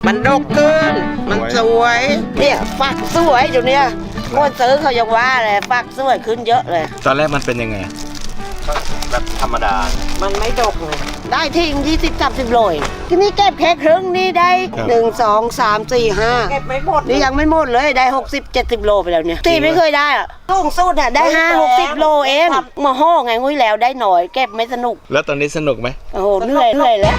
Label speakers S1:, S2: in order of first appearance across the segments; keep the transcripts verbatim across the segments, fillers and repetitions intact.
S1: มันดกขึ้นมันสวยเนี่ยฝักสวยอยู่เนี่ยคนซื้อเขายังว่าเลยฝักสวยขึ้นเยอะเลย
S2: ตอนแรกมันเป็นยังไงแบบธรรมดา
S1: มันไม่ดกเลยได้ทิ้งยี่สิบสามสิบโลที่นี่เก็บแค่ครึ่งนี่ได้หนึ่งสองสามสี่ห้าเก็บไม่หมดนี่ยังไม่หมดเลยได้หกสิบเจ็ดสิบโลไปแล้วเนี่ยที่ไม่เคยได้อะสูงสุดอ่ะได้ห้าหกสิบโลเองมาห่อไงงุ้ยแล้วได้หน่อยเก็บไม่สนุก
S2: แล้วตอนนี้สนุกไหม
S1: โอ้โหเหนื่อยเหนื่อยแล้ว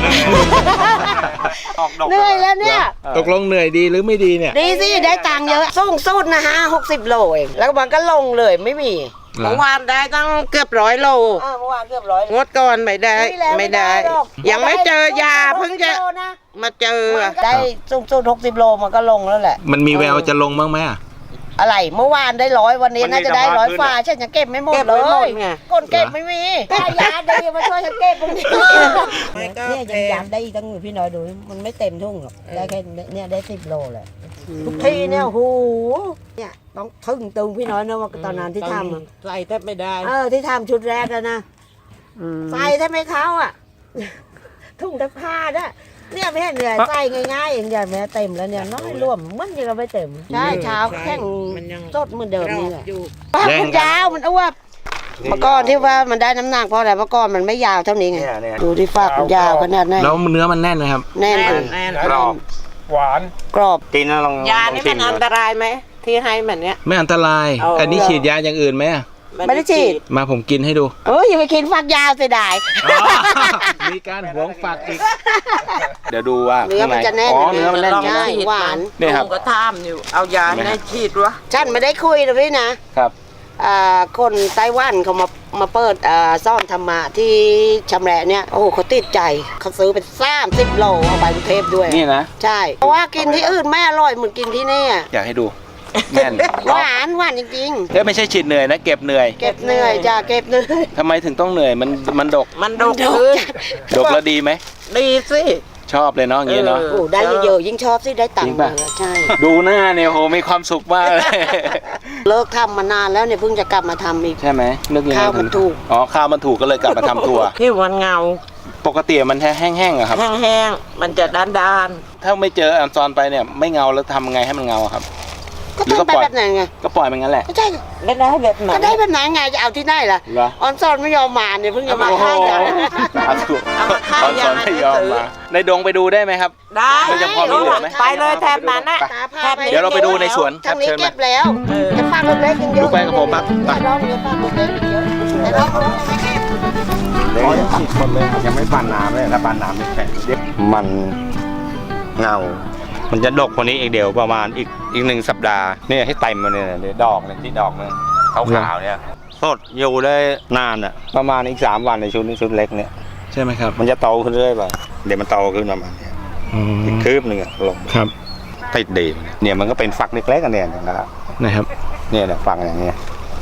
S1: เหนื่อยแล้วเนี่ย
S2: ตกลงเหนื่อยดีหรือไม่ดีเนี่ย
S1: ดีสิได้ตังค์เยอะสูงสุดนะฮะหกสิบโลเองแล้วมันก็ลงเลยไม่มีเมื่อวานได้ตั้งเกือบร้อยโลเมื่อวานเกือบร้อยงดก่อนไม่ได้ไม่ได้ยังไม่เจอยาเพิ่งจะมาเจอได้สูงสุดหกสิบโลมันก็ลงแล้วแหละ
S2: มันมีแววจะลงบ้างไหมอะ
S1: อะไรเมื่อวานได้ร้อยวันนี้น่าจะได้ร้อยฝ่าฉันยังเก็บไม่หมดเลยก้นเก็บไม่มีได้ยาดีมาช่วยฉันเก็บตรงนี้เนี่ยยังยามได้อีกตั้งพี่น้อยดูมันไม่เต็มทุ่งหรอกได้แค่เนี่ยได้สิบโลแหละทุกทีเนี่ยโหเนี่ยต้องทึ่งตึงพี่น้อยนะว่าตอนนั้นที่ทำ
S3: ใส่แทบไม่ได้
S1: เออที่ทำชุดแรกแล้วนะใส่แทบไม่เข้าอ่ะทุ่งตะผ้าเนี่ยเนี่ยไม่เห็นเหนื่อยใส่ง่ายๆเองอย่างแม่เต็มแล้วเนี่ยน้อยร่วมมันยังไม่เต็มใช่เช้าแข่งสดเหมือนเดิมนี่แหละมันยาวมันอ้วบเมื่อก่อนที่ว่ามันได้น้ำหนักเพราะอะไรเมื่อก่อนมันไม่ยาวเท่านี้ไงดูที่ฝักมันยาวขนาดไหน
S2: แล้วเนื้อมันแน่นไหมครับ
S1: แน่น
S2: กรอบ
S4: หวาน
S1: กรอบ
S2: กินแล้วลอง
S3: ยานี่มันอันตรายไหมที่ให้แบบเนี้ย
S2: ไม่อันตรายอันนี้ฉีดยาอย่างอื่นไหม
S1: ไม่ได้ฉีด
S2: มาผมกินให้ดู
S1: เอออย่าไปกินฝักยาวเสียดาย
S2: มีการหวงฝักอีกเดี๋ยวดูว่า
S1: เนื้อมันจะแน่น
S2: อ๋อเนื้อมันแน่น
S1: ใช่หวาน
S2: นี่ครับ
S3: ก็ทำอยู่เอายาให้ฉีดวะ
S1: ฉันไม่ได้คุยนะพี่นะครับคนไต้หวันเขามามาเปิดซ่อนธรรมะที่ชำแหละเนี่ยโอ้เขาติดใจเขาซื้อเป็นสามสิบโลเอาไปกรุงเทพด้วย
S2: นี่นะ
S1: ใช่เพราะว่ากินที่อื่นไม่อร่อยเหมือนกินที่นี่
S2: อยากให้ดูแน่น
S1: หวานหวานจริง
S2: ๆเฮ้ยไม่ใช่ฉีดเหนื่อยนะเก็บเหนื่อย
S1: เก็บเหนื่อยจ้าเก็บเหนื่อย
S2: ทำไมถึงต้องเหนื่อยมันมันดก
S3: มันดกขึ้น
S2: ดกแล้วดีไหม
S3: ดีสิ
S2: ชอบเลยเนาะอย่างนี้เนาะ
S1: โอ้ได้เยอะยิ่งชอบสิได้ตังค์ใช่
S2: ดูหน้าเนี่ยโหมีความสุขมากเลย
S1: เลิกทำมานานแล้วเนี่ยเพิ่งจะกลับมาทำอีก
S2: ใช่ไหมนึกยังไง
S1: ข้าวมันถูก
S2: อ๋อข้าวมันถูกก็เลยกลับมาทำตัว
S3: ที่วันเงา
S2: ปกติมันแห้งๆอะครับ
S3: แห้งๆมันจะด้าน
S2: ๆถ้าไม่เจออันซอนไปเนี่ยไม่เงาแล้วทำไงให้มันเงาครับ
S1: ก็ต้องไปแบบไหนไง
S2: ก็ปล่อยมันงั้นแหละ
S1: ก็ใช่
S3: ไม่ได้แบบไหน
S1: ก็ได้แบบไหนไงจะเอาที่ไหนล่ะออนซอนไม่ยอมมาเนี่ยเพิ่งจะมาให้กัน
S2: ออนซอนไม่ยอมมาในดงไปดูได้ไหมครับ
S3: ได้
S2: จะพอมีเหลือไหม
S3: ไปเลยแถบนั้นน่ะ
S2: เดี๋ยวเราไปดูในสวน
S1: ทางนี้เก็บแล้วจะฟังเล็กๆยังเยอะ
S2: ดูไปกับผมปั๊บ
S1: ไปร้องเยอะฟังเล็กๆเยอะแต่ร้องร้องไม่เก็บ
S4: อ๋อยังฉีดคนเลยยังไม่ปั่นน้ำเลยถ้าปั่นน้ำไม่แข็ง
S2: มันเงามันจะดกคนนี้อีกเดียวประมาณอีกอีกหนึ่งสัปดาห์เนี่ยให้เต็มมาเนี่ยดอกเนี่ยที่ดอกเนี่ยขาวๆเนี่ยสดอยู่ได้นานอ่ะประมาณอีกสามวันในชุดนี้ชุดเล็กเนี่ยใช่ไหมครับมันจะโตขึ้นเรื่อยไปเดี๋ยวมันโตขึ้นประมาณนี้อีกคืบหนึ่งลงครับติดดีเนี่ยมันก็เป็นฝักเล็กๆกันเนี่ยนะครับนะครับเนี่ยเนี่ยฝักอย่างเงี้ย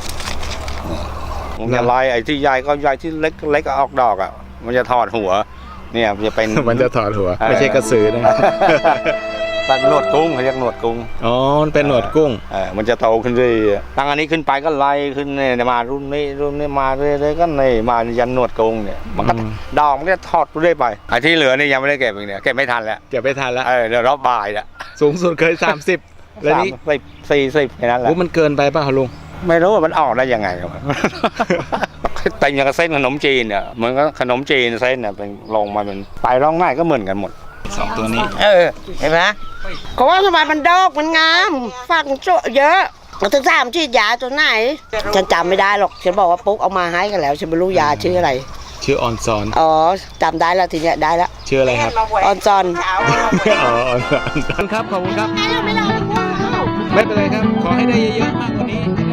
S2: มันจะลายไอ้ที่ใหญ่ก็ใหญ่ที่เล็กเล็กก็ออกดอกอ่ะมันจะถอดหัวเนี่ยมันจะเป็นมันจะถอดหัวไม่ใช่กระสือนะเป็นหนวดกุ้งเขาเรียกหนวดกุ้งอ๋อมันเป็นหนวดกุ้งเออมันจะโตขึ้นเรื่อยตั้งอันนี้ขึ้นไปก็ไล่ขึ้นเนี่ยมารุ่นนี้รุ่นนี้มาเรื่อยๆก็นี่มายันหนวดกุ้งเนี่ยมันก็ดอกมันก็ทอดเรื่อยไปไอ้ที่เหลือนี่ยังไม่ได้เก็บอีกเนี่ยเก็บไม่ทันแล้วเก็บไม่ทันแล้วเออเดี๋ยวรอบบ่ายละสูงสุดเคยสามสิบแล้วนี่สิบสี่สิบแค่นั้นแหละมันเกินไปป่ะลุงไม่รู้ว่ามันออกได้ยังไงครับแต่อย่างเส้นขนมจีนเนี่ยเหมือนกับขนมจีนเส้นเนี่ยเป็นลงมาเป็นไปร่องง่ายก็เหมือนกันหมดสองตัวนี้
S1: เออเห็นไหมเขาว่าทำไมมันดอกมันงามฝักโจเยอะเราถึงถามชื่อยาตัวไหนฉันจำไม่ได้หรอกฉันบอกว่าปุ๊กเอามาให้กันแล้วฉันไม่รู้ยาชื่ออะไร
S2: ชื่อออนซอน
S1: อ๋อจำได้แล้วทีเนี้ยได้แล้ว
S2: ชื่ออะไรครับ
S1: ออนซอน
S2: อ๋อออนซอนครับขอบคุณครับไม่เป็นไรครับขอให้ได้เยอะๆมากกว่านี้